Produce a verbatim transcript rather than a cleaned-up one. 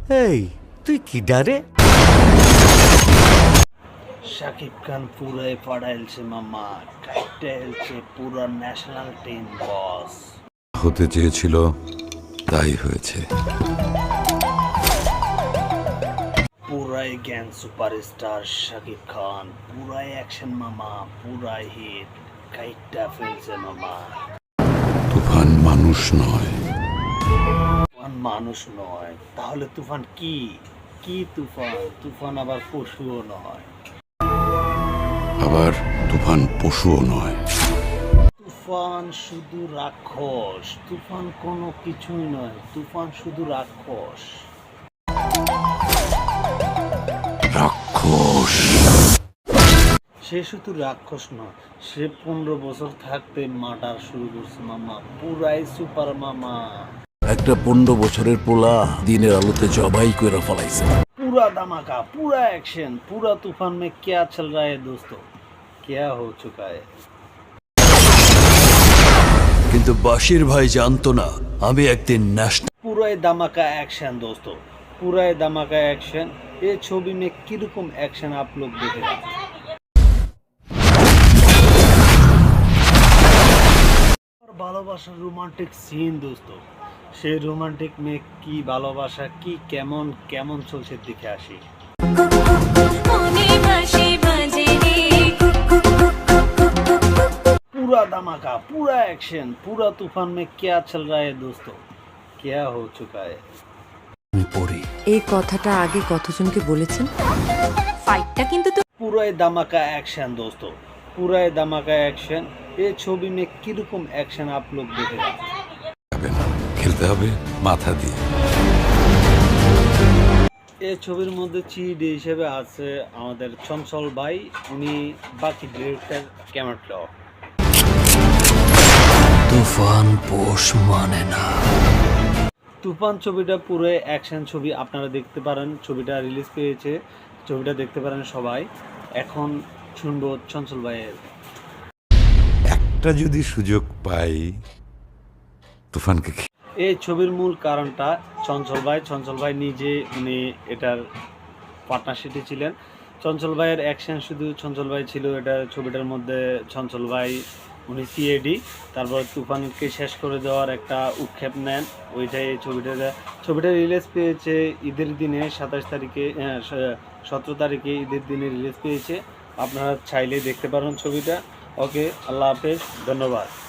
এই তুই কি ডারে? শাকিব খান পুরাই পাড়াইলছে মামা, কাইটা এলছে পুরা ন্যাশনাল টিম বস। হতে চেয়েছিল তাই হয়েছে। পুরাই জ্ঞান সুপারস্টার শাকিব খান, পুরাই অ্যাকশন মামা, পুরাই হিট, কাইটা ফেলছে মামা। তুফান মানুষ নয়। তুফান মানুষ নয়, তাহলে তুফান কি? কি তুফান? তুফান আবার পশুও নয়। আবার তুফান পশুও নয়। তুফান শুধু রাক্ষস। তুফান কোনো কিছুই নয়, তুফান শুধু রাক্ষস। রাক্ষস। সে শুধু রাক্ষস নয়, সে পনেরো বছর থাকতে মার্ডার শুরু করছে মামা, পুরাই সুপার মামা। একটা পনেরো বছরের পোলা দিনের আলোতে জবাই করে ফলাইছে। पूरा धमाका, पूरा एक्शन, पूरा तूफान में क्या चल रहा है दोस्तों, क्या हो चुका है। কিন্তু বাশির ভাই জানতো না আমি একদিন ন্যাশনাল। पूरा धमाका एक्शन दोस्तों, पूरा धमाका एक्शन। ये छवि में किरकम एक्शन आप लोग देखेगा। और ভালোবাসার রোমান্টিক সিন দোস্তো, সেই রোমান্টিক মে কি ভালোবাসা, কি কেমন কেমন চলছে দেখে আসি। पूरा धमाका, पूरा एक्शन, पूरा तूफान में क्या चल रहा है दोस्तों, क्या हो चुका है। আমি পড়ি এই কথাটা আগে কতজনকে বলেছেন? ফাইটটা কিন্তু তো पूरा धमाका एक्शन दोस्तों, पूरा धमाका एक्शन। ये छवि में किरकम एक्शन आप लोग देखेगा। যাবে না, খেলতে হবে মাথা দিয়ে। এই ছবির মধ্যে চিড হিসেবে আছে আমাদের চঞ্চল ভাই, উনি বাকি ডিরেক্টর ক্যামেরা। তুফান পোষ মানে না। তুফান ছবিটা পুরো অ্যাকশন ছবি, আপনারা দেখতে পারেন। ছবিটা রিলিজ পেয়েছে, ছবিটা দেখতে পারেন সবাই। এখন শুনবো চঞ্চল ভাইয়ের। একটা যদি সুযোগ পাই তুফানকে খে- এই ছবির মূল কারণটা চঞ্চল ভাই। চঞ্চল ভাই নিজে উনি এটার পার্টনারশিপে ছিলেন। চঞ্চল ভাইয়ের অ্যাকশন শুধু চঞ্চল ভাই ছিল এটা ছবিটার মধ্যে। চঞ্চল ভাই উনি সিএডি, তারপর তুফানকে শেষ করে দেওয়ার একটা উৎক্ষেপ নেন, ওইটাই এই ছবিটা। ছবিটা রিলিজ পেয়েছে ঈদের দিনে, সাতাশ তারিখে, সতেরো তারিখে ঈদের দিনে রিলিজ পেয়েছে। আপনারা চাইলে দেখতে পারেন ছবিটা। ওকে, আল্লাহ হাফেজ, ধন্যবাদ।